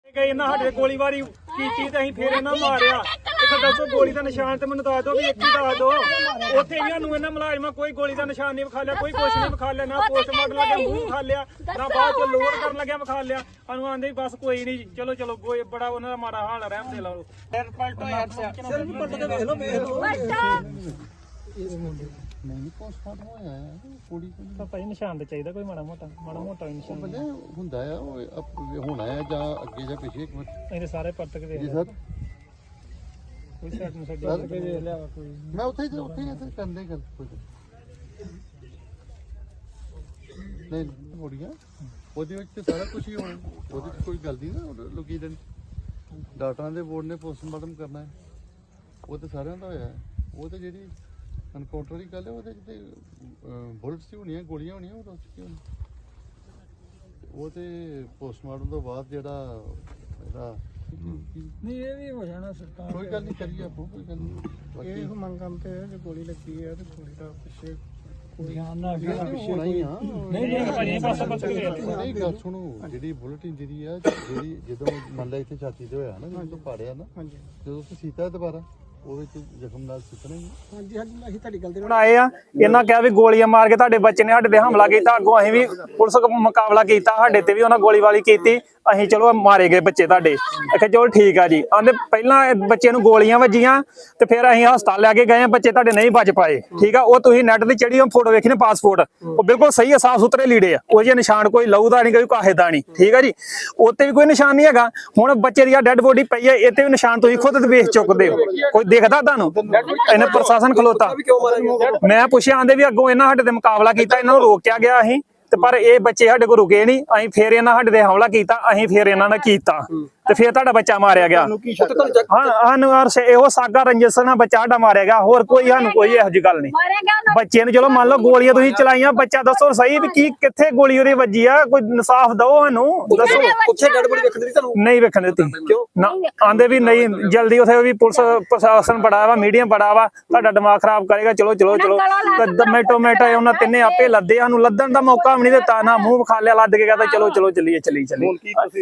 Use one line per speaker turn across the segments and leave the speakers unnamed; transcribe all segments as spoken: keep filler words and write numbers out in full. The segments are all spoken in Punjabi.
ਇਹਨਾਂ ਸਾਡੇ ਗੋਲੀਬਾਰੀ ਕੀਤੀ ਤੇ ਅਸੀਂ ਫੇਰ ਇਹਨਾਂ ਮਾਰਿਆ। ਇੱਥੇ ਦੱਸੋ ਗੋਲੀ ਦਾ ਨਿਸ਼ਾਨ ਤੇ ਮੈਨੂੰ ਦੱਸ ਦਿਓ ਵੀ ਇੱਕ ਹੀ ਦੱਸ ਦਿਓ। ਉੱਥੇ ਇਹਨਾਂ ਨੂੰ ਇਹਨਾਂ ਮੁਲਾਜ਼ਮਾਂ ਕੋਈ ਗੋਲੀ ਦਾ ਨਿਸ਼ਾਨ ਨਹੀਂ ਵਿਖਾ ਲਿਆ, ਕੋਈ ਕੁਛ ਨਹੀਂ ਵਿਖਾ ਲਿਆ, ਨਾ ਪੋਸਟਮਾਰਟਮ ਲੱਗਿਆ ਮੂੰਹ ਵਿਖਾ ਲਿਆ, ਨਾ ਬਾਅਦ ਚ ਲੋਡ ਕਰਨ ਲੱਗਿਆ ਵਿਖਾ ਲਿਆ। ਸਾਨੂੰ ਆਂਦੇ ਬਸ ਕੋਈ ਨਹੀਂ, ਚਲੋ ਚਲੋ ਕੋਈ ਬੜਾ ਉਹਨਾਂ ਦਾ ਮਾੜਾ ਹਾਲ ਰਹਿਮ ਦੇ ਲਾਓ। ਸਿਰਫ ਪੱਟ ਕੇ ਵੇਖ ਲਓ ਵੇਖ ਲਓ
ਨਹੀਂ ਪੋਸਟਮਾਰਟਮ ਹੋਇਆ ਹੈ ਕੁੜੀ
ਤਾਂ ਭਾਈ ਨਿਸ਼ਾਨ ਤੇ ਚਾਹੀਦਾ ਕੋਈ ਮਾੜਾ ਮੋਟਾ ਮਾੜਾ ਮੋਟਾ ਨਿਸ਼ਾਨ
ਬੰਦੇ ਹੁੰਦਾ ਆ ਉਹ ਹੋਣਾ ਹੈ ਜਾਂ ਅੱਗੇ ਜਾਂ ਪਿੱਛੇ ਇੱਕ ਮਿੰਟ
ਇਹਦੇ ਸਾਰੇ ਪੱਟ ਕੇ ਵੇਖ
ਜੀ
ਲਓ
ਸਰ
ਕੋਈ ਸਾਈਡ ਨੂੰ ਸਾਈਡ ਪੱਟ ਕੇ ਵੇਖ ਲਿਆ ਕੋਈ
ਮੈਂ ਉੱਥੇ ਹੀ ਉੱਥੇ ਹੀ ਇੱਥੇ ਕਰਦੇ ਗੱਲ ਕੋਈ ਨਹੀਂ ਹੋੜੀਆਂ ਉਹਦੇ ਵਿੱਚ ਤੇ ਸਾਰਾ ਕੁਝ ਹੀ ਹੋਣਾ ਉਹਦੇ ਵਿੱਚ ਕੋਈ ਗੱਲ ਨਹੀਂ ਨਾ ਲੋਕੀ ਦਿਨ ਡਾਕਟਰਾਂ ਦੇ ਬੋਰਡ ਨੇ ਪੋਸਟਮਾਰਟਮ ਕਰਨਾ ਹੈ ਉਹ ਤੇ ਸਾਰਿਆਂ ਦਾ ਹੋਇਆ ਉਹ ਤੇ ਜਿਹੜੀ ਅਨਕਾਊਂਟਰ ਦੀ ਗੱਲ ਹੈ ਉਹਦੇ ਤੇ ਬੁਲਟਸ ਹੋਣੀਆਂ ਗੋਲੀਆਂ ਹੋਣੀਆਂ ਉਹ ਦੱਸ ਕੀ ਉਹ ਤੇ ਪੋਸਟਮਾਰਟਮ ਤੋਂ ਬਾਅਦ ਜਿਹੜਾ ਇਹਦਾ
ਨਹੀਂ ਇਹ ਵੀ ਹੋ ਜਾਣਾ ਸਰਕਾਰ
ਕੋਈ ਗੱਲ ਨਹੀਂ ਕਰੀਏ ਆਪੋ ਕੋਈ ਗੱਲ ਨਹੀਂ
ਇਹ ਮੰਗਾਂ ਤੇ ਜੇ ਗੋਲੀ ਲੱਗੀ ਹੈ ਤੇ ਗੋਲੀ ਦਾ ਪਿੱਛੇ ਧਿਆਨ
ਹੋਣਾ ਹੀ ਆ
ਨਹੀਂ ਨਹੀਂ ਭਾਜੀ ਬਸ ਬਸ
ਨਹੀਂ ਗੱਲ ਸੁਣੋ ਜਿਹੜੀ ਬੁਲਟ ਇੰਜਰੀ ਆ ਜਿਹੜੀ ਜਦੋਂ ਮੰਨ ਲਾ ਇੱਥੇ ਛਾਤੀ ਤੇ ਹੋਇਆ ਨਾ ਜਦੋਂ ਪਾੜਿਆ ਨਾ ਜਦੋਂ ਤੁਸੀਂ ਸੀਤਾ ਦੁਬਾਰਾ ਉਹਦੇ ਚ ਜ਼ਖਮ ਨਾਲ ਸਿੱਟਣੇ
ਹਾਂਜੀ ਹਾਂਜੀ ਅਸੀਂ ਤੁਹਾਡੀ ਗੱਲ ਤੇ ਆਏ ਆ। ਇਹਨਾਂ ਕਿਹਾ ਵੀ ਗੋਲੀਆਂ ਮਾਰ ਕੇ ਤੁਹਾਡੇ ਬੱਚੇ ਨੇ ਸਾਡੇ ਤੇ ਹਮਲਾ ਕੀਤਾ, ਅੱਗੋਂ ਅਸੀਂ ਵੀ ਪੁਲਿਸ ਮੁਕਾਬਲਾ ਕੀਤਾ, ਸਾਡੇ ਤੇ ਵੀ ਉਹਨਾਂ ਗੋਲੀਬਾਰੀ ਕੀਤੀ, ਅਸੀਂ ਚਲੋ ਮਾਰੇ ਗਏ ਬੱਚੇ ਤੁਹਾਡੇ। ਆਖਿਆ ਚਲੋ ਠੀਕ ਆ ਜੀ। ਆਂਦੇ ਪਹਿਲਾਂ ਬੱਚੇ ਨੂੰ ਗੋਲੀਆਂ ਵੱਜੀਆਂ ਤੇ ਫਿਰ ਅਸੀਂ ਹਸਪਤਾਲ ਲੈ ਕੇ ਗਏ, ਬੱਚੇ ਤੁਹਾਡੇ ਨਹੀਂ ਬਚ ਪਾਏ। ਠੀਕ ਆ, ਉਹ ਤੁਸੀਂ ਨੈਟ ਤੇ ਚੜੀ ਫੋਟੋ ਵੇਖੀ ਨਾ ਪਾਸਪੋਰਟ, ਉਹ ਬਿਲਕੁਲ ਸਹੀ ਆ, ਸਾਫ ਸੁਥਰੇ ਲੀੜੇ ਆ, ਉਹ ਜਿਹੇ ਨਿਸ਼ਾਨ ਕੋਈ ਲਹੂ ਦਾ ਨਹੀਂ, ਕੋਈ ਕਾਹੇ ਦਾ ਨਹੀਂ। ਠੀਕ ਆ ਜੀ, ਉੱਤੇ ਵੀ ਕੋਈ ਨਿਸ਼ਾਨ ਨਹੀਂ ਹੈਗਾ। ਹੁਣ ਬੱਚੇ ਦੀ ਆ ਡੈਡ ਬੋਡੀ ਪਈ ਹੈ, ਇੱਥੇ ਵੀ ਨਿਸ਼ਾਨ ਤੁਸੀਂ ਖੁਦ ਵੇਖ ਚੁੱਕਦੇ ਹੋ, ਕੋਈ ਦੇਖਦਾ ਤੁਹਾਨੂੰ? ਇਹਨੇ ਪ੍ਰਸ਼ਾਸਨ ਖਲੋਤਾ। ਮੈਂ ਪੁੱਛਿਆ, ਆਂਦੇ ਵੀ ਅੱਗੋਂ ਇਹਨਾਂ ਸਾਡੇ ਤੇ ਮੁਕਾਬਲਾ ਕੀਤਾ, ਇਹਨਾਂ ਨੂੰ ਰੋਕਿਆ ਗਿਆ ਅਸੀਂ ਤੇ ਪਰ ਇਹ ਬੱਚੇ ਸਾਡੇ ਕੋਲ ਰੁਕੇ ਨਹੀਂ, ਅਸੀਂ ਫੇਰ ਇਹਨਾਂ ਸਾਡੇ ਤੇ ਹਮਲਾ ਕੀਤਾ, ਅਸੀਂ ਫੇਰ ਇਹਨਾਂ ਨੇ ਕੀਤਾ ਤੇ ਫੇਰ ਤੁਹਾਡਾ ਬੱਚਾ ਮਾਰਿਆ ਗਿਆ। ਹਾਂ ਸਾਨੂੰ ਇਹੋ ਸਾਗਾ ਰੰਜਸ ਨਾਲ ਬੱਚਾ ਸਾਡਾ ਮਾਰਿਆ ਗਿਆ, ਹੋਰ ਕੋਈ ਸਾਨੂੰ ਕੋਈ ਇਹੋ ਜਿਹੀ ਗੱਲ ਨਹੀਂ। ਬੱਚੇ ਨੂੰ ਚਲੋ ਮੰਨ ਲਓ ਗੋਲੀਆਂ ਤੁਸੀਂ ਚਲਾਈਆਂ, ਬੱਚਾ ਦੱਸੋ ਸਹੀ ਵੀ ਕੀ ਕਿੱਥੇ ਗੋਲੀ ਉਹਦੀ ਵੱਜੀ ਆ, ਕੋਈ ਇਨਸਾਫ ਦਿਓ ਸਾਨੂੰ, ਦੱਸੋ। ਨਹੀਂ ਵੇਖਣ ਦਿੱਤੀ ਨਾ, ਆਂਦੇ ਵੀ ਨਹੀਂ ਜਲਦੀ, ਉਥੇ ਵੀ ਪੁਲਿਸ ਪ੍ਰਸ਼ਾਸਨ ਬੜਾ ਵਾ, ਮੀਡੀਆ ਬੜਾ ਵਾ, ਤੁਹਾਡਾ ਦਿਮਾਗ ਖਰਾਬ ਕਰੇਗਾ। ਚਲੋ ਚਲੋ ਚਲੋ ਮੈਟੋ ਮੈਟੋ ਉਹਨਾਂ ਤਿੰਨੇ ਆਪੇ ਲੱਦੇ, ਸਾਨੂੰ ਲੱਦਣ ਦਾ ਮੌਕਾ ਵੀ ਨਹੀਂ ਦਿੱਤਾ, ਨਾ ਮੂੰਹ ਵਿਖਾ ਲਿਆ, ਲੱਦ ਕੇ ਕਹਿੰਦਾ ਚਲੋ ਚਲੋ ਚੱਲੀਏ ਚੱਲੀ ਚੱਲੀ।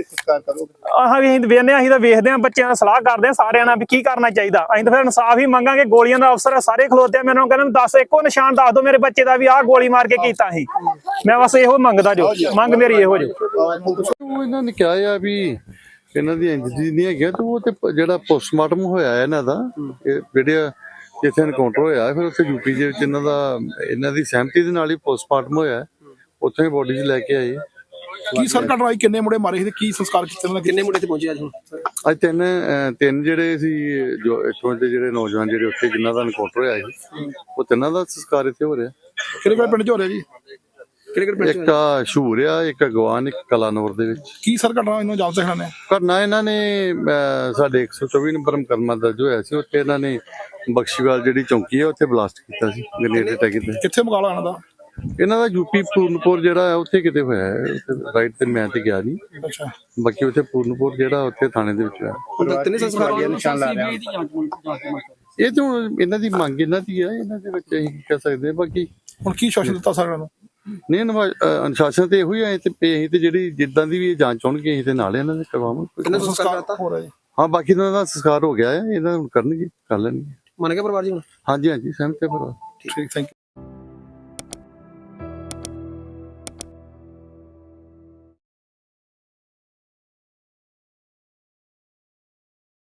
ਆਹ ਵੀ ਵੇਖਦੇ ਹਾਂ, ਅਸੀਂ ਤਾਂ ਵੇਖਦੇ ਹਾਂ, ਬੱਚਿਆਂ ਨਾਲ ਸਲਾਹ ਕਰਦੇ ਹਾਂ ਸਾਰਿਆਂ ਨਾਲ ਵੀ ਕੀ ਕਰਨਾ ਚਾਹੀਦਾ। ਅਸੀਂ ਤਾਂ ਫਿਰ ਇਨਸਾਫ ਹੀ ਮੰਗਾਂਗੇ। ਗੋਲੀਆਂ ਦਾ ਅਫਸਰ ਸਾਰੇ ਖਲੋਤੇ ਆ, ਮੈਨੂੰ ਕਹਿੰਦੇ ਦੱਸ ਇੱਕੋ ਨਿਸ਼ਾਨ ਦੱਸ ਦਿਓ ਮੇਰੇ ਬੱਚੇ ਦਾ ਵੀ ਆਹ ਗੋਲੀ ਮਾਰ ਕੇ ਕੀਤਾ ਸੀ। ਮੈਂ ਬਸ ਇਹੋ ਮੰਗਦਾ, ਜੋ ਮੰਗ ਮੇਰੀ ਇਹੋ ਜੋ।
ਉਹ ਇਹਨਾਂ ਨੇ ਕਿਹਾ ਆ ਵੀ ਇਹਨਾਂ ਦੀ ਇੰਜਰੀ ਨਹੀਂ ਹੈਗੀ, ਤੇ ਉਹ ਤੇ ਜਿਹੜਾ ਪੋਸਟਮਾਰਟਮ ਹੋਇਆ ਇਹਨਾਂ ਦਾ, ਜਿਹੜੇ ਜਿੱਥੇ ਐਨਕਾਊਂਟਰ ਹੋਇਆ ਫਿਰ ਉੱਥੇ ਯੂਪੀ ਦੇ ਵਿੱਚ ਇਹਨਾਂ ਦਾ ਇਹਨਾਂ ਦੀ ਸਹਿਮਤੀ ਦੇ ਨਾਲ ਹੀ ਪੋਸਟਮਾਰਟਮ ਹੋਇਆ, ਉੱਥੇ ਹੀ ਬੋਡੀ 'ਚ ਲੈ ਕੇ ਆਏ।
ਕੀ ਸਰ ਘਟਨਾ ਕਿੰਨੇ ਮੁੰਡੇ ਮਾਰੇ ਸੀ ਤੇ ਕੀ ਸੰਸਕਾਰ ਕੀਤੇ, ਕਿੰਨੇ ਮੁੰਡੇ ਤੇ ਪਹੁੰਚੇ ਅੱਜ?
ਅੱਜ ਤਿੰਨ ਤਿੰਨ ਜਿਹੜੇ ਸੀ ਜੋ ਇੱਥੋਂ ਦੇ ਜਿਹੜੇ ਨੌਜਵਾਨ ਜਿਹੜੇ ਉੱਥੇ ਜਿਨ੍ਹਾਂ ਦਾ ਐਨਕਾਊਂਟਰ ਹੋਇਆ ਸੀ, ਉਹ ਤਿੰਨਾਂ ਦਾ ਸੰਸਕਾਰ ਇੱਥੇ ਹੋ ਰਿਹਾ।
ਕਿਹੜੇ ਕਿਹੜੇ ਪਿੰਡ 'ਚ ਹੋ ਰਿਹਾ ਜੀ? ਕਿਹੜੇ ਕਿਹੜੇ ਪਿੰਡ?
ਇੱਕ ਆ ਸ਼ੂਰ ਆ, ਇੱਕ ਅਗਵਾਨ, ਇੱਕ ਕਲਾਨੌਰ ਦੇ ਵਿੱਚ।
ਕੀ ਸਰ ਘਟਨਾ ਇਹਨੂੰ ਜਾਣ ਸਕਦੇ ਨੇ?
ਘਟਨਾ ਇਹਨਾਂ ਨੇ ਸਾਡੇ ਇੱਕ ਸੌ ਚੌਵੀ ਨੰਬਰ ਮੁਕੱਦਮਾ ਦਰਜ ਹੋਇਆ ਸੀ, ਉੱਥੇ ਇਹਨਾਂ ਨੇ ਬਖਸ਼ੀਵਾਲ ਜਿਹੜੀ ਚੌਂਕੀ ਹੈ ਉੱਥੇ ਬਲਾਸਟ ਕੀਤਾ ਸੀ, ਗ੍ਰੇਨੇਡ ਅਟੈਕ ਕੀਤਾ।
ਕਿੱਥੇ ਮੁਕਾਬਲਾ ਇਹਨਾਂ ਦਾ?
ਇਹਨਾਂ ਦਾ ਯੂਪੀ ਪੂਰਨਪੁਰ ਜਿਹੜਾ ਹੈ ਉੱਥੇ ਕਿਤੇ ਹੋਇਆ ਹੈ, ਰਾਈਟ ਤੇ ਮੈਂ ਤੇ ਗਿਆ ਨਹੀਂ।
ਅੱਛਾ,
ਬਾਕੀ ਉੱਥੇ ਪੂਰਨਪੁਰ ਜਿਹੜਾ ਉੱਥੇ ਥਾਣੇ ਦੇ ਵਿੱਚ ਹੈ। ਇਹ ਤਾਂ ਹੁਣ ਇਹਨਾਂ ਦੀ ਮੰਗ ਇਹਨਾਂ ਦੀ ਹੈ, ਇਹਨਾਂ ਦੇ ਵਿੱਚ ਅਸੀਂ ਕੀ ਕਹਿ ਸਕਦੇ ਹਾਂ। ਬਾਕੀ
ਹੁਣ ਕੀ ਸ਼ਾਸਨ ਦਿੱਤਾ ਸਾਰਿਆਂ ਨੂੰ?
ਨਹੀਂ ਅਨੁਸ਼ਾਸਨ ਤੇ ਇਹੋ ਹੀ ਹੈ, ਤੇ ਅਸੀਂ ਤੇ ਜਿਹੜੀ ਜਿੱਦਾਂ ਦੀ ਵੀ ਜਾਂਚ ਹੋਣਗੀ ਅਸੀਂ ਤੇ ਨਾਲ ਇਹਨਾਂ ਦੇ ਕਰਵਾਵਾਂਗੇ।
ਸੰਸਕਾਰ ਹੋ ਰਿਹਾ ਜੀ?
ਹਾਂ, ਬਾਕੀ ਇਹਨਾਂ ਦਾ ਸੰਸਕਾਰ ਹੋ ਗਿਆ ਹੈ, ਇਹਦਾ ਹੁਣ ਕਰਨਗੇ, ਕਰ ਲੈਣਗੇ।
ਮੰਨ ਗਿਆ ਪਰਿਵਾਰ ਜੀ ਹੁਣ?
ਹਾਂਜੀ ਹਾਂਜੀ ਸਹਿਮਤ ਹੈ ਪਰਿਵਾਰ।
ਠੀਕ, ਥੈਂਕ ਯੂ।